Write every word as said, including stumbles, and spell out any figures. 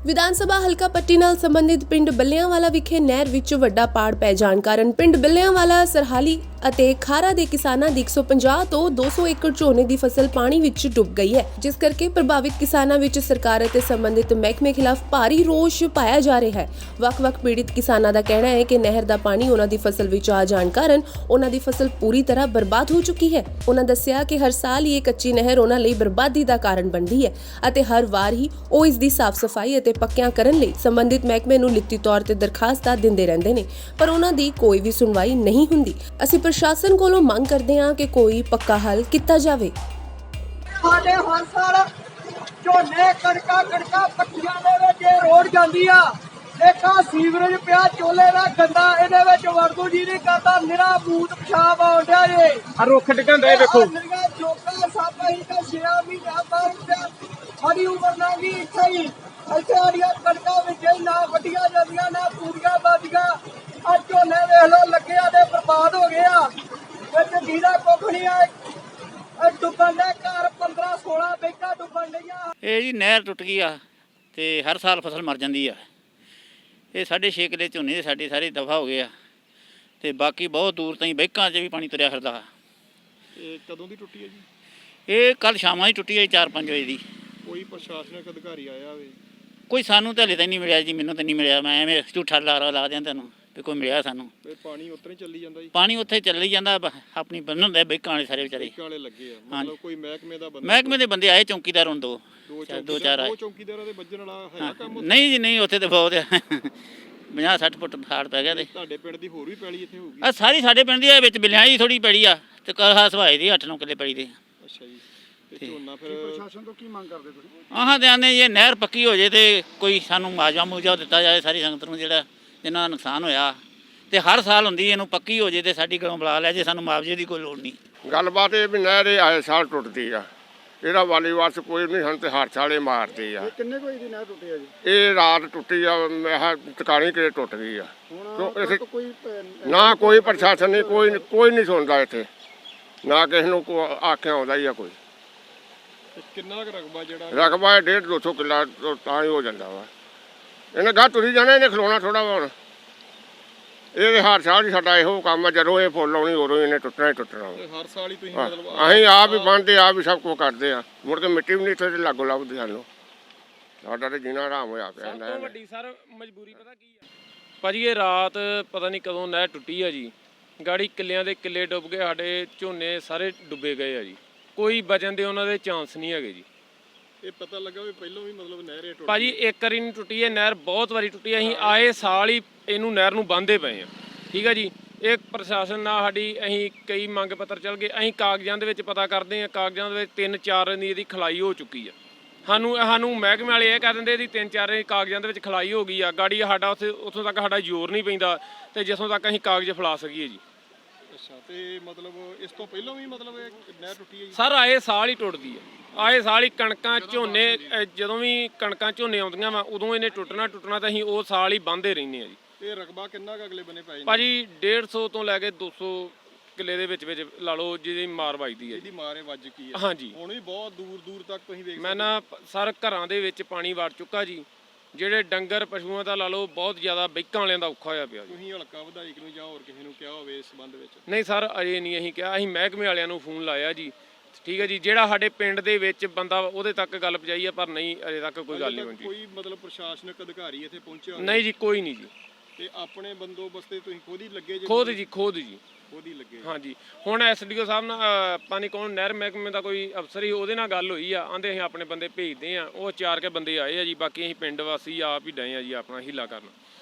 ਵਿਧਾਨ ਸਭਾ ਹਲਕਾ ਪੱਟੀ ਨਾਲ ਸੰਬੰਧਿਤ ਪਿੰਡ ਬੱਲਿਆਂਵਾਲਾ ਵਿਖੇ ਨਹਿਰ ਵਿੱਚ ਵੱਡਾ ਪਾੜ ਪੈ ਜਾਣ ਕਾਰਨ ਪਿੰਡ ਬੱਲਿਆਂਵਾਲਾ ਸਰਹਾਲੀ ਅਤੇ ਖਾਰਾ ਦੇ ਕਿਸਾਨਾਂ ਦੀ ਇੱਕ ਸੌ ਪੰਜਾਹ ਤੋਂ ਦੋ ਸੌ ਏਕੜ ਝੋਨੇ ਦੀ ਫਸਲ ਪਾਣੀ ਵਿੱਚ ਡੁੱਬ ਗਈ ਹੈ, ਜਿਸ ਕਰਕੇ ਪ੍ਰਭਾਵਿਤ ਕਿਸਾਨਾਂ ਵਿੱਚ ਸਰਕਾਰ ਅਤੇ ਸੰਬੰਧਿਤ ਮਹਿਕਮੇ ਖਿਲਾਫ ਭਾਰੀ ਰੋਸ ਪਾਇਆ ਜਾ ਰਿਹਾ ਹੈ। ਵੱਖ-ਵੱਖ ਪੀੜਿਤ ਕਿਸਾਨਾਂ ਦਾ ਕਹਿਣਾ ਹੈ ਕਿ ਨਹਿਰ ਦਾ ਪਾਣੀ ਉਹਨਾਂ ਦੀ ਫਸਲ ਵਿੱਚ ਆ ਜਾਣ ਕਾਰਨ ਉਹਨਾਂ ਦੀ ਫਸਲ ਪੂਰੀ ਤਰ੍ਹਾਂ ਬਰਬਾਦ ਹੋ ਚੁੱਕੀ ਹੈ। ਉਹਨਾਂ ਦੱਸਿਆ ਕਿ ਹਰ ਸਾਲ ਹੀ ਇਹ ਕੱਚੀ ਨਹਿਰ ਉਹਨਾਂ ਲਈ ਬਰਬਾਦੀ ਦਾ ਕਾਰਨ ਬਣਦੀ ਹੈ ਅਤੇ ਹਰ ਵਾਰ ਹੀ ਉਹ ਇਸ ਦੀ ਸਾਫ਼ ਸਫਾਈ ਅਤੇ ਪੱਕਿਆਂ ਕਰਨ ਲਈ ਸੰਬੰਧਿਤ ਮਹਿਕਮੇ ਨੂੰ ਲਿਖਤੀ ਤੌਰ ਤੇ ਦਰਖਾਸਤਾਂ ਦਿੰਦੇ ਰਹਿੰਦੇ ਨੇ, ਪਰ ਉਹਨਾਂ ਦੀ ਕੋਈ ਵੀ ਸੁਣਵਾਈ ਨਹੀਂ ਹੁੰਦੀ। ਅਸੀਂ ਪ੍ਰਸ਼ਾਸਨ ਕੋਲੋਂ ਮੰਗ ਕਰਦੇ ਹਾਂ ਕਿ ਕੋਈ ਪੱਕਾ ਹੱਲ ਕੀਤਾ ਜਾਵੇ। ਸਾਡੇ ਹਰ ਸਾਲ ਝੋਨੇ ਕਣਕਾਂ ਕਣਕਾਂ ਪੱਟੀਆਂ ਦੇ ਵਿੱਚ ਰੋਡ ਜਾਂਦੀ ਆ। ਦੇਖਾ ਸੀਵਰੇਜ ਪਿਆ ਚੋਲੇ ਦਾ ਗੰਦਾ, ਇਹਦੇ ਵਿੱਚ ਵਰਦੂ ਜੀ ਨਹੀਂ ਕਰਦਾ, ਨਿਰਾ ਬੂਤ ਪਿਸ਼ਾਬ ਆਉਣ ਡਿਆ ਜੇ। ਆ ਰੁੱਖ ਡਿੱਗਣ ਦੇ ਵੇਖੋ। ਲੋਕਾਂ ਸਾਪਾ ਹੀ ਤਾਂ ਛੇ ਮਹੀਨਾ ਬਾਅਦ ਸਾਡੀ ਉਮਰ ਨਾ ਗਈ ਇੱਥੇ ਹੀ। ਇੱਥੇ ਸਾਡੀਆਂ ਕਣਕਾਂ ਵਿੱਚ ਹੀ ਨਾ ਵੱਡੀਆਂ ਜਾਂਦੀਆਂ ਨਾ ਪੂਰੀਆਂ ਵੱਜਦੀਆਂ। ਆ ਝੋਨੇ ਵੇਖ ਲੋ ਲੱਗਿਆ ਤੇ ਬਰਬਾਦ ਹੋ ਗਿਆ। ਵਿੱਚ ਜੀਰਾ ਕੁੱਖ ਨਹੀਂ ਆ। ਡੁੱਬਣ ਦੇ ਘਰ ਪੰਦਰਾਂ ਸੋਲਾਂ ਬੈਂਕਾਂ ਡੁੱਬਣ ਡਈਆਂ। ਇਹ ਜੀ ਨਹਿਰ ਟੁੱਟ ਗਈ ਆ ਤੇ ਹਰ ਸਾਲ ਫਸਲ ਮਰ ਜਾਂਦੀ ਆ। ਇਹ ਸਾਢੇ ਛੇ ਕਿੱਲੇ ਝੋਨੇ ਦੇ ਸਾਡੇ ਸਾਰੇ ਦਫਾ ਹੋ ਗਏ ਆ ਤੇ ਬਾਕੀ ਬਹੁਤ ਦੂਰ ਤਾਈਂ ਬੈਂਕਾਂ 'ਚ ਵੀ ਪਾਣੀ ਤੁਰਿਆ ਫਿਰਦਾ। ਇਹ ਕਦੋਂ ਦੀ ਟੁੱਟੀ ਹੈ ਜੀ? ਇਹ ਕੱਲ ਸ਼ਾਮਾਂ ਹੀ ਟੁੱਟੀ ਹੈ ਚਾਰ ਪੰਜ ਵਜੇ ਦੀ। ਕੋਈ ਪ੍ਰਸ਼ਾਸਨਿਕ ਅਧਿਕਾਰੀ ਆਇਆ ਹੋਵੇ? ਕੋਈ ਸਾਨੂੰ ਤਾਂ ਹਲੇ ਤਾਂ ਨਹੀਂ ਮਿਲਿਆ ਜੀ, ਮੈਨੂੰ ਤਾਂ ਨਹੀਂ ਮਿਲਿਆ। ਮੈਂ ਐਵੇਂ ਝੂਠਾ ਲਾਰਾ ਲਾ ਦਿਆਂ ਤੁਹਾਨੂੰ ਵੀ ਕੋਈ ਮਿਲਿਆ ਸਾਨੂੰ। ਇਹ ਪਾਣੀ ਉੱਧਰ ਹੀ ਚੱਲੀ ਜਾਂਦਾ ਜੀ? ਪਾਣੀ ਉੱਥੇ ਚੱਲੀ ਜਾਂਦਾ, ਬ- ਆਪਣੀ ਬੰਨ ਹੁੰਦੇ ਬੈਂਕਾਂ ਵਾਲੇ ਸਾਰੇ ਵਿਚਾਰੇ। ਬੈਂਕਾਂ ਵਾਲੇ ਲੱਗੇ ਆ, ਹਾਂਜੀ। ਮਤਲਬ ਕੋਈ ਮਹਿਕਮੇ ਦਾ ਬੰਦਾ? ਮਹਿਕਮੇ ਦੇ ਬੰਦੇ ਆਏ, ਚੌਂਕੀਦਾਰ ਹੁਣ ਦੋ ਦੋ ਚਾਰ ਦੋ ਚਾਰ ਆਏ। ਦੋ ਚੌਂਕੀਦਾਰਾਂ ਦੇ ਵੱਜਣ ਵਾਲਾ ਹੈ ਕੰਮ ਉੱਥੇ? ਨਹੀਂ ਜੀ ਨਹੀਂ, ਉੱਥੇ ਤਾਂ ਬਹੁਤ ਪੰਜਾਹ ਸੱਠ ਫੁੱਟ ਹਾੜ ਪੈ ਗਿਆ ਤੇ ਤੁਹਾਡੇ ਪਿੰਡ ਦੀ ਹੋਰ ਵੀ ਪੈਲੀ ਇੱਥੇ ਹੋਊਗੀ? ਆ ਸਾਰੀ ਸਾਡੇ ਪਿੰਡ ਦੀ ਆ, ਵਿੱਚ ਬਿਲਿਆਂ ਦੀ ਥੋੜੀ ਪੈੜੀ ਆ ਤੇ ਕਹਾ ਸਵਾਏ ਦੀ ਅੱਠ ਨੌ ਕਿੱਲੇ ਪੈੜੀ ਦੇ। ਅੱਛਾ ਜੀ। ਤੇ ਝੋਨਾ ਫਿਰ ਪ੍ਰਸ਼ਾਸਨ ਤੋਂ ਕੀ ਮੰਗ ਕਰਦੇ ਤੁਸੀਂ? ਆਹਾਂ ਤੇ ਆਨੇ ਜੇ ਨਹਿਰ ਪੱਕੀ ਹੋ ਜੇ ਤੇ ਕੋਈ ਸਾਨੂੰ ਮੁਆਵਜ਼ਾ ਮੁਆਵਜ਼ਾ ਦਿੱਤਾ ਜਾਏ ਸਾਰੀ ਸੰਗਤ ਨੂੰ, ਜਿਹੜਾ ਜਿਨ੍ਹਾਂ ਦਾ ਨੁਕਸਾਨ ਹੋਇਆ। ਤੇ ਹਰ ਸਾਲ ਹੁੰਦੀ ਇਹਨੂੰ ਪੱਕੀ ਹੋ ਜੇ ਤੇ ਸਾਡੀ ਗਲੋਂ ਬੁਲਾ ਲਿਆ ਜੇ, ਸਾਨੂੰ ਮੁਆਵਜ਼ੇ ਦੀ ਕੋਈ ਲੋੜ ਨਹੀਂ। ਗੱਲਬਾਤ ਇਹ ਵੀ ਨਹਿਰ ਇਹ ਆਏ ਸਾਲ ਟੁੱਟਦੀ ਆ, ਇਹਦਾ ਵਾਲੀ ਵਾਰਸ ਕੋਈ ਨਹੀਂ, ਸਾਨੂੰ ਤੇ ਹਰ ਸਾਲ ਇਹ ਮਾਰਦੀ ਆ। ਕਿੰਨੇ ਕੋਈ ਦੀ ਨਹਿਰ ਟੁੱਟੀ ਆ ਜੀ? ਇਹ ਰਾਤ ਟੁੱਟੀ ਆ, ਮੈਂ ਟਿਕਾਣੀ ਕਿਤੇ ਟੁੱਟ ਗਈ ਆ। ਹੁਣ ਇੱਥੇ ਕੋਈ ਨਾ ਕੋਈ ਪ੍ਰਸ਼ਾਸਨ ਨਹੀਂ, ਕੋਈ ਕੋਈ ਨਹੀਂ ਸੁਣਦਾ ਇੱਥੇ, ਨਾ ਕਿਸੇ ਨੂੰ ਕੋ ਆਖਿਆ ਆਉਂਦਾ ਹੀ ਆ ਕੋਈ। ਕਿੰਨਾ ਕੁ ਰਕਬਾ ਜਿਹੜਾ ਰਕਬਾ ਇਹ ਡੇਢ ਦੋ ਸੌ ਕਿੱਲਾ ਤਾਂ ਹੀ ਹੋ ਜਾਂਦਾ ਵਾ। ਇਹਨੇ ਗਾਹ ਤੁਰੀ ਜਾਣਾ, ਇਹਨੇ ਖਲੋਣਾ ਥੋੜਾ ਵਾ। ਹੁਣ ਇਹ ਹਰ ਸਾਲ ਹੀ ਸਾਡਾ ਇਹੋ ਕੰਮ ਆ, ਜਦੋਂ ਇਹ ਫੁੱਲ ਆਉਣੀ ਉਦੋਂ ਇਹਨੇ ਟੁੱਟਣਾ ਹੀ ਟੁੱਟਣਾ ਵਾ। ਹਰ ਸਾਲ ਹੀ ਤੁਸੀਂ ਹਾਂ, ਮਤਲਬ ਅਸੀਂ ਆਪ ਹੀ ਬਣਦੇ, ਆਪ ਹੀ ਸਭ ਕੁਝ ਕਰਦੇ ਆ। ਮੁੜ ਕੇ ਮਿੱਟੀ ਵੀ ਨਹੀਂ ਇੱਥੇ ਲਾਗੋ ਲੱਭਦੀ ਸਾਨੂੰ। ਸਾਡਾ ਤੇ ਜੀਣਾ ਆਰਾਮ ਹੋਇਆ ਪਿਆ। ਸਭ ਤੋਂ ਵੱਡੀ ਸਰ ਮਜਬੂਰੀ ਪਤਾ ਕੀ ਆ ਭਾਜੀ? ਇਹ ਰਾਤ ਪਤਾ ਨਹੀਂ ਕਦੋਂ ਨਹਿਰ ਟੁੱਟੀ ਆ ਜੀ। ਗਾੜੀ ਕਿੱਲਿਆਂ ਦੇ ਕਿੱਲੇ ਡੁੱਬ ਗਏ, ਸਾਡੇ ਝੋਨੇ ਸਾਰੇ ਡੁੱਬੇ ਗਏ ਆ ਜੀ। ਕੋਈ ਬਚਣ ਦੇ ਉਹਨਾਂ ਦੇ ਚਾਂਸ ਨਹੀਂ ਹੈਗੇ ਜੀ। ਇਹ ਪਤਾ ਲੱਗਾ ਵੀ ਪਹਿਲਾਂ ਵੀ ਮਤਲਬ ਨਹਿਰ ਇਹ ਟੁੱਟ ਭਾਜੀ ਇੱਕ ਵਾਰੀ ਨਹੀਂ ਟੁੱਟੀ ਹੈ ਨਹਿਰ, ਬਹੁਤ ਵਾਰੀ ਟੁੱਟੀ। ਅਸੀਂ ਆਏ ਸਾਲ ਹੀ ਇਹਨੂੰ ਨਹਿਰ ਨੂੰ ਬੰਨ੍ਹਦੇ ਪਏ ਆ। ਠੀਕ ਆ ਜੀ। ਇਹ ਪ੍ਰਸ਼ਾਸਨ ਨਾਲ ਸਾਡੀ ਅਸੀਂ ਕਈ ਮੰਗ ਪੱਤਰ ਚੱਲ ਗਏ। ਅਸੀਂ ਕਾਗਜ਼ਾਂ ਦੇ ਵਿੱਚ ਪਤਾ ਕਰਦੇ ਆ, ਕਾਗਜ਼ਾਂ ਦੇ ਵਿੱਚ ਤਿੰਨ ਚਾਰ ਦੀ ਇਹਦੀ ਖਲਾਈ ਹੋ ਚੁੱਕੀ ਆ। ਸਾਨੂੰ ਸਾਨੂੰ ਮਹਿਕਮੇ ਵਾਲੇ ਇਹ ਕਹਿ ਦਿੰਦੇ ਇਹਦੀ ਤਿੰਨ ਚਾਰ ਕਾਗਜ਼ਾਂ ਦੇ ਵਿੱਚ ਖਲਾਈ ਹੋ ਗਈ ਆ। ਗਾੜੀ ਸਾਡਾ ਉੱਥੇ ਉੱਥੋਂ ਤੱਕ ਸਾਡਾ ਜ਼ੋਰ ਨਹੀਂ ਪੈਂਦਾ ਤੇ ਜਿੱਥੋਂ ਤੱਕ ਅਸੀਂ ਕਾਗਜ਼ ਫੈਲਾ ਸਕੀਏ ਜੀ। ਅੱਛਾ। ਤੇ ਮਤਲਬ ਇਸ ਤੋਂ ਪਹਿਲਾਂ ਵੀ ਮਤਲਬ ਇਹ ਨਹਿਰ ਟੁੱਟੀ ਹੈ ਜੀ? ਸਰ ਆਏ ਸਾਲ ਹੀ ਟੁੱਟਦੀ ਆ। ਆਏ ਸਾਲ ਹੀ ਕਣਕਾਂ ਝੋਨੇ, ਜਦੋਂ ਵੀ ਕਣਕਾਂ ਝੋਨੇ ਆਉਂਦੀਆਂ ਵਾ ਉਦੋਂ ਇਹਨੇ ਟੁੱਟਣਾ ਟੁੱਟਣਾ ਤਾਂ ਅਸੀਂ ਉਹ ਸਾਲ ਹੀ ਬੰਨ੍ਹਦੇ ਰਹਿੰਦੇ ਆ ਜੀ। ਤੇ ਰਕਬਾ ਕਿੰਨਾ ਕੁ ਅਗਲੇ ਬੰਨੇ ਪੈ ਜਾਂਦਾ ਭਾਜੀ? ਡੇਢ ਸੌ ਤੋਂ ਲੈ ਕੇ ਦੋ ਸੌ ਕਿੱਲੇ ਦੇ ਵਿੱਚ ਵਿੱਚ ਲਾ ਲਓ ਜਿਹਦੀ ਮਾਰ ਵੱਜਦੀ ਹੈ। ਇਹਦੀ ਮਾਰੇ ਵੱਜ ਕੀ ਹੈ? ਹਾਂਜੀ। ਹੁਣ ਵੀ ਬਹੁਤ ਦੂਰ ਦੂਰ ਤੱਕ ਤੁਸੀਂ ਵੇਖ ਮੈਂ ਨਾ ਸਰ ਘਰਾਂ ਦੇ ਵਿੱਚ ਪਾਣੀ ਵੜ ਚੁੱਕਾ ਜੀ। ਜਿਹੜੇ ਡੰਗਰ ਪਸ਼ੂਆਂ ਦਾ ਲਾ ਲਓ ਬਹੁਤ ਜ਼ਿਆਦਾ ਬੈਂਕਾਂ ਵਾਲਿਆਂ ਦਾ ਔਖਾ ਹੋਇਆ ਪਿਆ ਜੀ। ਤੁਸੀਂ ਹਲਕਾ ਵਿਧਾਇਕ ਨੂੰ ਜਾਂ ਹੋਰ ਕਿਸੇ ਨੂੰ ਕਿਹਾ ਹੋਵੇ ਇਸ ਸੰਬੰਧ ਵਿੱਚ? ਨਹੀਂ ਸਰ ਅਜੇ ਨਹੀਂ ਅਸੀਂ ਕਿਹਾ। ਅਸੀਂ ਮਹਿਕਮੇ ਵਾਲਿਆਂ ਨੂੰ ਫੋਨ ਲਾਇਆ ਜੀ। ਠੀਕ ਹੈ ਜੀ। ਜਿਹੜਾ ਸਾਡੇ ਪਿੰਡ ਦੇ ਵਿੱਚ ਬੰਦਾ ਉਹਦੇ ਤੱਕ ਗੱਲ ਪਹੁੰਚਾਈ ਹੈ, ਪਰ ਨਹੀਂ ਅਜੇ ਤੱਕ ਕੋਈ ਗੱਲ ਨਹੀਂ ਪਹੁੰਚੀ। ਕੋਈ ਮਤਲਬ ਪ੍ਰਸ਼ਾਸਨਿਕ ਅਧਿਕਾਰੀ ਇੱਥੇ ਪਹੁੰਚਿਆ? ਨਹੀਂ ਜੀ, ਕੋਈ ਨਹੀਂ ਜੀ। ਤੇ ਆਪਣੇ ਬੰਦੋਬਸਤ ਤੇ ਤੁਸੀਂ ਖੁਦ ਹੀ ਲੱਗੇ ਜੀ? ਖੁਦ ਜੀ, ਖੁਦ ਜੀ, ਖੁਦ ਹੀ ਲੱਗੇ। ਹਾਂਜੀ। ਹੁਣ ਐਸਡੀਓ ਸਾਹਿਬ ਨਾਲ ਪਾਣੀ ਕੌਣ ਨਹਿਰ ਮਹਿਕਮੇ ਦਾ ਕੋਈ ਅਫਸਰ ਹੀ, ਉਹਦੇ ਨਾਲ ਗੱਲ ਹੋਈ ਆ। ਆਂਦੇ ਅਸੀਂ ਆਪਣੇ ਬੰਦੇ ਭੇਜਦੇ ਆ। ਉਹ ਚਾਰ ਕੇ ਬੰਦੇ ਆਏ ਆ ਜੀ। ਬਾਕੀ ਅਸੀਂ ਪਿੰਡ ਵਾਸੀ ਆਪ ਹੀ ਡਏ ਆ ਜੀ ਆਪਣਾ ਹੀਲਾ ਕਰਨ।